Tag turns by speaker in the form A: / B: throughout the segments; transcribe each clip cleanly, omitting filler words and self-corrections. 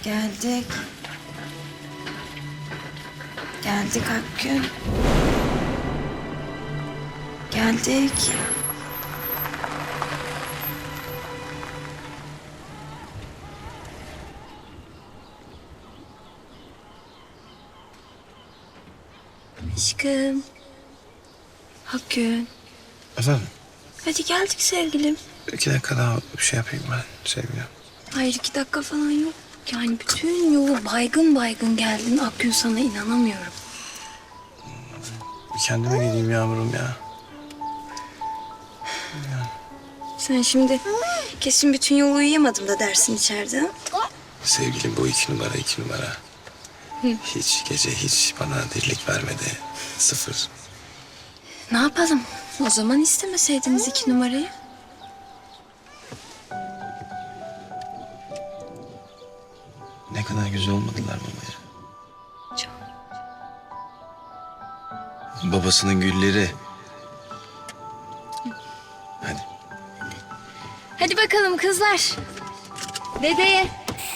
A: Geldik. Geldik Akgün. Geldik. Aşkım. Akgün.
B: Efendim?
A: Hadi geldik sevgilim.
B: 2 dakika daha bir şey yapayım ben sevgilim.
A: Hayır 2 dakika falan yok. Yani bütün yolu baygın baygın geldin Akgün, sana inanamıyorum.
B: Bir kendime geleyim Yağmur'um ya.
A: Sen şimdi kesin bütün yolu uyuyamadım da dersin içeride. Ha?
B: Sevgilim bu 2 numara 2 numara. Hiç gece hiç bana dirlik vermedi. 0.
A: Ne yapalım? O zaman istemeseydiniz 2 numarayı.
B: Ne kadar güzel olmadılar babaya.
A: Çok.
B: Babasının gülleri. Hadi.
A: Hadi bakalım kızlar. Dedeye.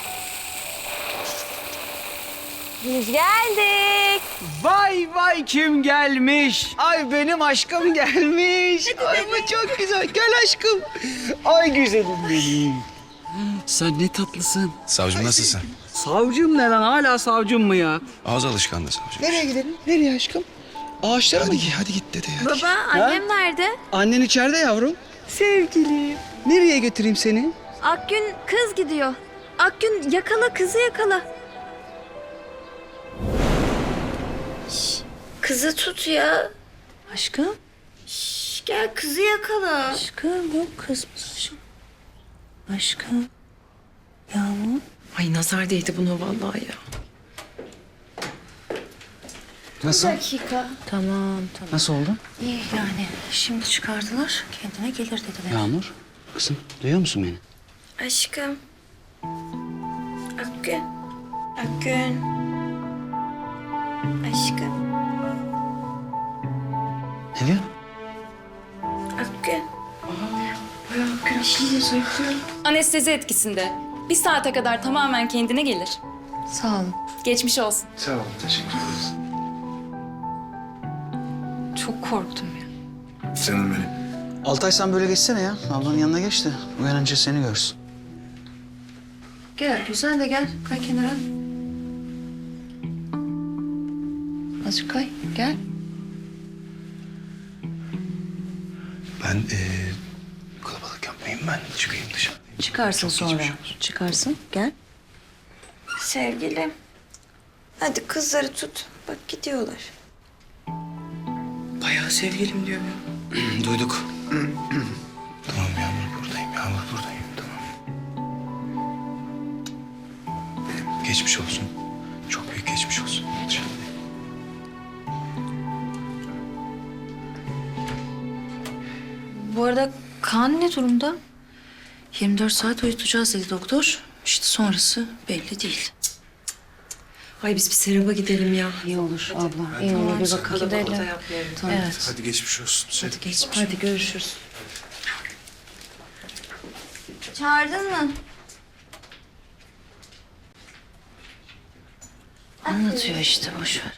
A: Biz geldik.
C: Vay vay kim gelmiş? Ay benim aşkım gelmiş. Ay bu çok güzel. Gel aşkım. Ay güzelim benim. Sen ne tatlısın.
B: Savcım nasılsın?
C: Savcım ne lan? Hala savcım mı ya?
B: Ağız alışkanlığı savcım.
C: Nereye gidelim? Nereye aşkım? Ağaçlara mı?
B: Hadi git dede ya.
A: Baba, annem nerede?
C: Annen içeride yavrum. Sevgilim. Nereye götüreyim seni?
A: Akgün kız gidiyor. Akgün yakala, kızı yakala. Kızı tut ya.
D: Aşkım?
A: Gel kızı yakala.
D: Aşkım yok kızmış aşkım. Aşkım. Yağmur.
E: Ay nazar değdi buna vallahi ya.
C: Nasıl?
D: Tamam.
C: Nasıl oldu?
D: İyi yani şimdi çıkardılar. Kendine gelir dediler.
C: Yağmur. Kızım duyuyor musun beni?
A: Aşkım. Akgün. Akgün. Aşkım.
C: Ne diyor?
A: Akgün.
F: Anestezi etkisinde. 1 saate kadar tamamen kendine gelir.
D: Sağ olun.
F: Geçmiş olsun.
B: Sağ ol. Teşekkür ederiz.
D: Çok korktum ya.
B: Canım benim.
C: Altay sen böyle geçsene ya. Ablanın yanına geç de uyanınca seni görsün.
D: Gel güzel de gel. Kay kenara. Azıcık kay. Gel.
B: Ben kalabalık yapmayayım ben. Çıkayım dışarı.
D: Çıkarsın sonra.
B: geçmiş olsun.
D: Çıkarsın. Gel.
A: Sevgilim. Hadi kızları tut. Bak gidiyorlar.
E: Bayağı sevgilim diyor ya.
B: Duyduk. Tamam Yağmur buradayım. Yağmur buradayım. Tamam. Geçmiş olsun. Çok büyük geçmiş olsun. Dışarıdayım.
D: Bu arada Kaan ne durumda? 24 saat uyutacağız dedi doktor. İşte sonrası belli değil.
E: Ay biz bir Serap'a gidelim ya.
D: İyi olur abla. İyi olur. Bir bakın
E: Kalabalıkta
D: gidelim.
E: yapmayalım.
D: Evet.
B: Hadi geçmiş olsun.
D: Hadi geçmiş. Hadi görüşürüz.
A: Çağırdın mı?
D: Anlatıyor işte boş ver.